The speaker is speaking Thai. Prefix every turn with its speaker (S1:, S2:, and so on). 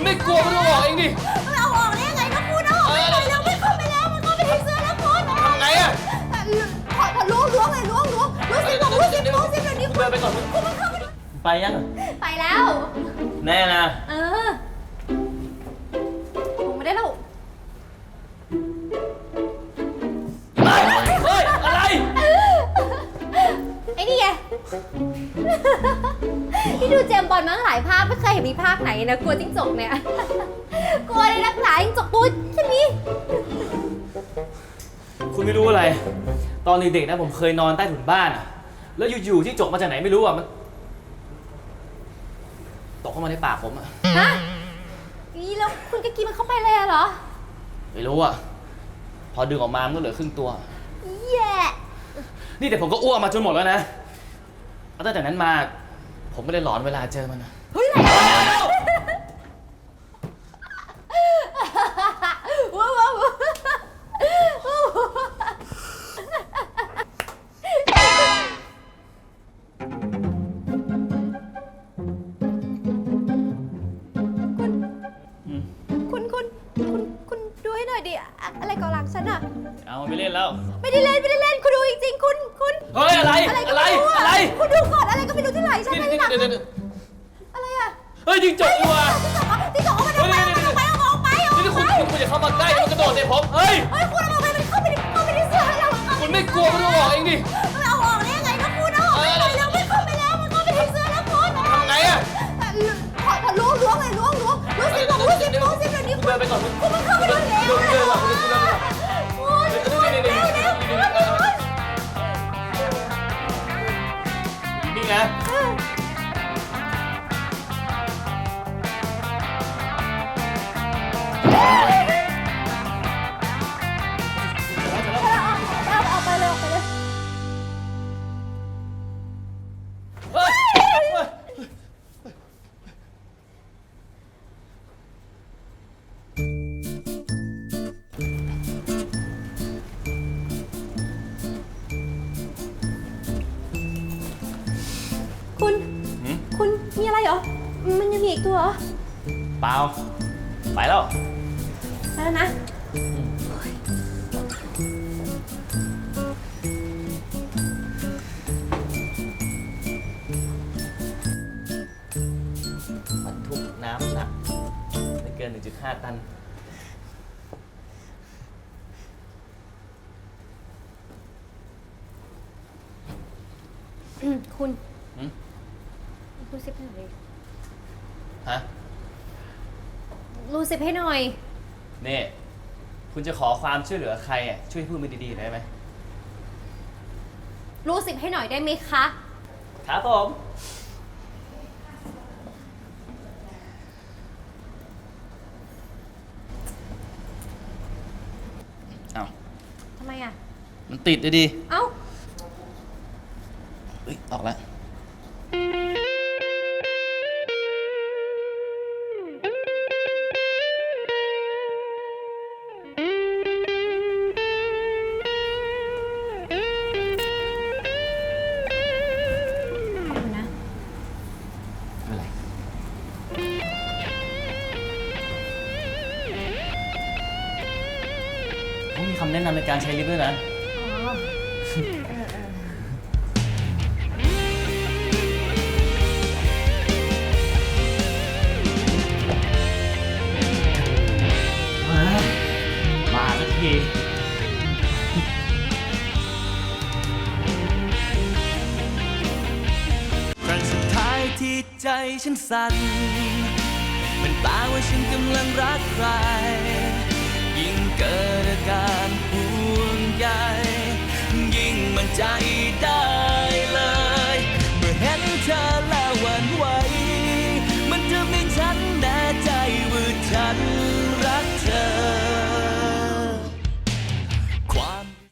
S1: ไม่กลัวก็ต้องออกเองดิ
S2: เอาออกได้ยังไงนะคุณเอาออกไปเลยแล้วไม่เข้าไปแล้วมันเข้าไปในเสื้อแล้วคุณ
S1: ทำไงอะ
S2: ขอล้วงเลยล้วงสิบอกล้วงสิเดี๋ยวนี้คุณ
S1: เดินไปก่อน
S2: คุณมันเข้าไป
S1: ไปยัง
S2: ไปแล้ว
S1: แน่นะ
S2: ผมไม่ได้แล้ว
S1: เฮ้ยอะไร
S2: ไอ้นี่ไงที่ดูเจมบอลมาหลายภาคไม่เคยเห็นมีภาคไหนนะกลัวจิ้งจกเนี่ยกลัวเลยนักหนาจิ้งจกตัวแค่นี้
S1: คุณไม่รู้อะไรตอนเด็กๆนะผมเคยนอนใต้ถุนบ้านอะแล้วอยู่ๆจิ้งจกมาจากไหนไม่รู้อะมันตกเข้ามาในปากผมอะ
S2: ฮะนี่แล้วคุณก็กินมันเข้าไปเลยเหรอ
S1: ไม่รู้อะพอดึงออกมามันก็เหลือครึ่งตัว
S2: แย่
S1: นี่แต่ผมก็อ้วกมาจนหมดแล้วนะตั้งแต่นั้นมาผมไม่ได้หลอนเวลาเจอมันนะ
S2: เฮ้ยอะไรคุณดูให้หน่อยดิอะไรก่อหลังฉันอะ
S1: เอาไม่เล่นแล้ว
S2: ไม่ได้เล่นคุณดูจริงๆคุณ
S1: เฮ้ยอะไร
S2: คุณดูก่อนอะไรก็ไม่รู้ที่ไหนฉันไม่ได้หลังอะไรอะ
S1: เฮ้ยจิ้งจกว่ะ
S2: จิ้งจกเอามันออกไป
S1: นี่คุณอย่าเข้ามาใกล้มันกระโดดใส่ผมเฮ้ย
S2: คุณเอาไปมันเข้าไปในเสื้อเรา
S1: คุณไม่กลัวก็ต้องออกเองดิ
S2: เอาออกได้ยังไงนะคุณเอาออกไปเลยแล้วไม่เข้าไปแล้วมันเข้าไปในเสื้อแล้วคุณ
S1: ทำไงอะ
S2: ขอล้วงเลยล้วงสิเดี๋ยวนี้
S1: คุณเดินไปก่อน
S2: คุณมันเข้าไปแล้ว
S1: นี่ไง
S2: เอาไปเลยคุณมีอะไรเหรอมันยังมีอีกตัวเหรอ
S1: เปล่าไปแล้ว
S2: นะ
S1: บรรทุกน้ำหนักไม่เกิน 1.5 ตัน
S2: คุณรูซิปให้หน่อย
S1: ฮะ
S2: รูซิปให้หน่อย
S1: นี่คุณจะขอความช่วยเหลือใครอ่ะช่วยพูดมาดีๆได้ไหม
S2: รูซิปให้หน่อยได้ไหมคะ
S1: ครับผมเอา
S2: ทำไมอ่ะ
S1: มันติดเลยดิ
S2: เอ้า
S1: ออกแล้วมีคำแนะนำในการใช้ลิฟต์ด้วยนะมาสักที
S3: ครั้งสุดท้ายที่ใจฉันสั่นมันแปลว่าฉันกำลังรักใครยิ่งเกิดอาการห่วงใยยิ่งมั่นใจ